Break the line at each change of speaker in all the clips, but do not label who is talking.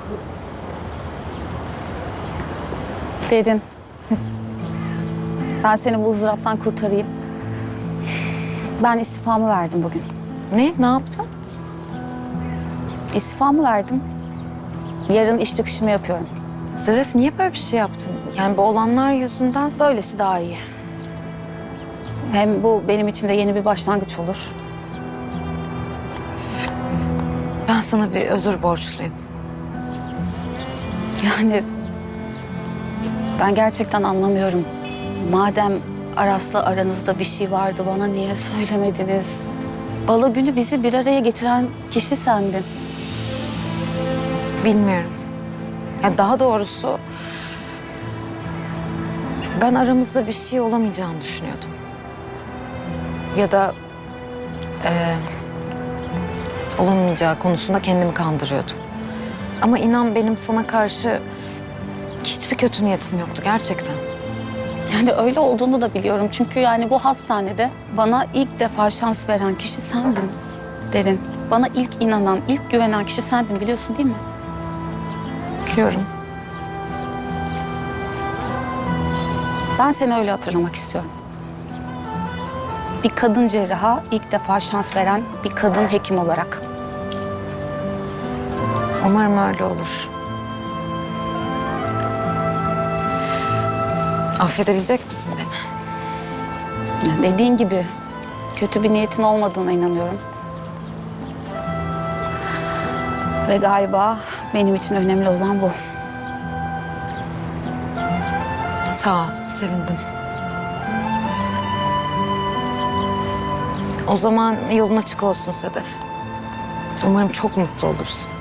Derin. Ben seni bu ızdıraptan kurtarayım. Ben istifamı verdim bugün.
Ne yaptın?
İstifamı verdim. Yarın iş çıkışımı yapıyorum.
Sedef niye böyle bir şey yaptın? Yani bu olanlar yüzünden...
Böylesi daha iyi. Hem bu benim için de yeni bir başlangıç olur.
Ben sana bir özür borçluyum.
Yani ben gerçekten anlamıyorum. Madem Aras'la aranızda bir şey vardı, bana niye söylemediniz? Balo günü bizi bir araya getiren kişi sendin.
Bilmiyorum. Yani daha doğrusu... ben aramızda bir şey olamayacağını düşünüyordum. Ya da... olamayacağı konusunda kendimi kandırıyordum. Ama inan benim sana karşı hiçbir kötü niyetim yoktu gerçekten.
Yani öyle olduğunu da biliyorum. Çünkü yani bu hastanede bana ilk defa şans veren kişi sendin Derin. Bana ilk inanan, ilk güvenen kişi sendin, biliyorsun değil mi?
Biliyorum.
Ben seni öyle hatırlamak istiyorum. Bir kadın cerraha ilk defa şans veren bir kadın hekim olarak.
Umarım öyle olur. Affedebilecek misin beni?
Yani dediğin gibi kötü bir niyetin olmadığına inanıyorum. Ve galiba benim için önemli olan bu.
Sağ ol, sevindim. O zaman yolun açık olsun Sedef. Umarım çok mutlu olursun.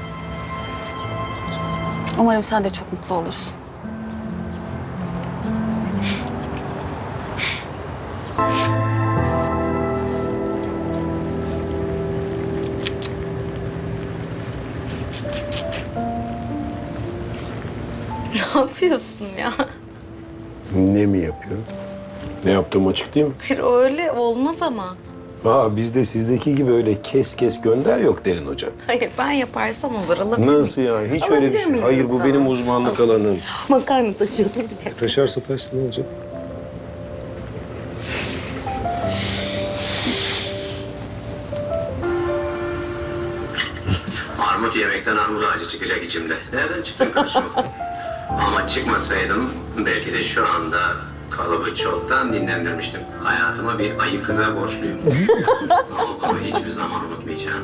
Umarım sen de çok mutlu olursun.
Ne yapıyorsun ya?
Ne mi yapıyor? Ne yaptığım açık değil mi?
Hayır öyle olmaz ama.
Bizde sizdeki gibi öyle kes kes gönder yok Derin Hoca.
Hayır ben yaparsam olur alabilir miyim?
Nasıl yani? Hiç
Alabilir
öyle bir şey.
miyim
Hayır
lütfen?
bu benim uzmanlık alanım.
Makarna taşıyor dur bir dakika.
Taşarsa taşsın ne olacak?
Armut yemekten armut ağacı çıkacak içimde. Nereden çıktın karşıma? Ama çıkmasaydım belki de şu anda kalıbı çoktan dinlendirmiştim. Hayatıma bir ayı kıza borçluyum. Onu hiçbir zaman unutmayacağım.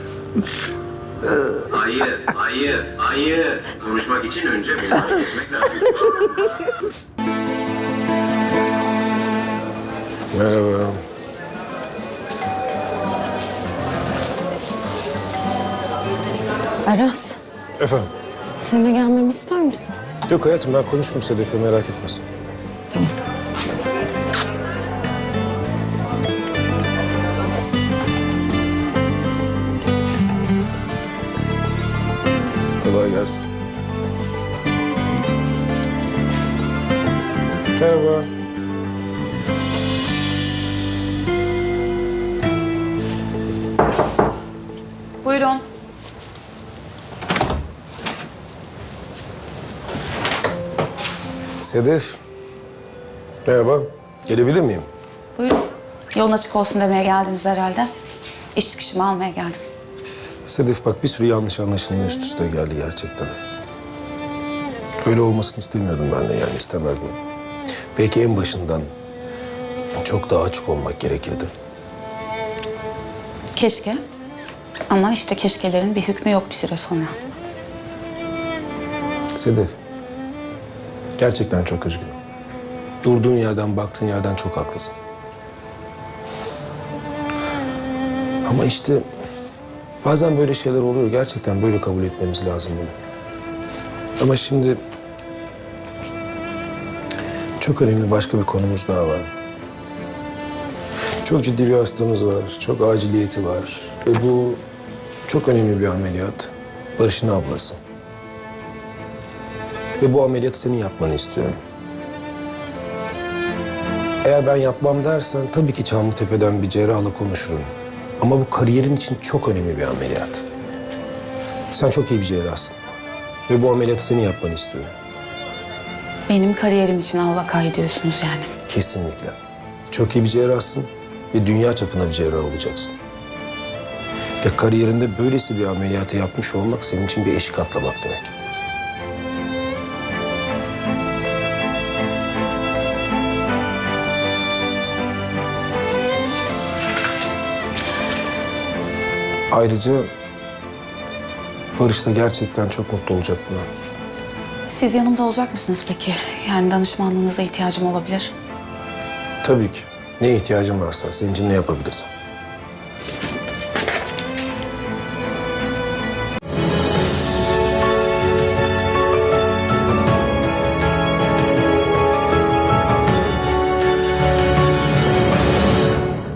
Ayı. Konuşmak için önce beni fark etmek lazım.
Merhaba.
Aras,
Efendim?
seninle gelmemi ister misin?
Yok hayatım ben konuşurum Sedef'le merak etmesin.
Tamam.
Kolay gelsin. Merhaba.
Buyurun.
Sedef. Merhaba. Gelebilir miyim?
Buyurun. Yolun açık olsun demeye geldiniz herhalde. İş çıkışımı almaya geldim.
Sedef bak bir sürü yanlış anlaşılma üst üste geldi gerçekten. Böyle olmasını istemiyordum ben de yani istemezdim. Belki en başından çok daha açık olmak gerekirdi.
Keşke. Ama işte keşkelerin bir hükmü yok bir süre sonra.
Sedef, gerçekten çok üzgünüm. Durduğun yerden, baktığın yerden çok haklısın. Ama işte bazen böyle şeyler oluyor. Gerçekten böyle kabul etmemiz lazım bunu. Ama şimdi çok önemli başka bir konumuz daha var. Çok ciddi bir hastamız var, çok aciliyeti var. Ve bu çok önemli bir ameliyat. Barış'ın ablası. Ve bu ameliyatı senin yapmanı istiyorum. Eğer ben yapmam dersen tabii ki Çamlıtepe'den bir cerrahla konuşurum. Ama bu kariyerin için çok önemli bir ameliyat. Sen çok iyi bir cerrahsın. Ve bu ameliyatı senin yapmanı istiyorum.
Benim kariyerim için al vakayı diyorsunuz yani.
Kesinlikle. Çok iyi bir cerrahsın ve dünya çapında bir cerrah olacaksın. Ve kariyerinde böylesi bir ameliyatı yapmış olmak senin için bir eşik atlamak demek. Ayrıca Barış da gerçekten çok mutlu olacak buna.
Siz yanımda olacak mısınız peki? Yani danışmanlığınıza ihtiyacım olabilir.
Tabii ki. Neye ihtiyacın varsa, senin için ne yapabilirsem.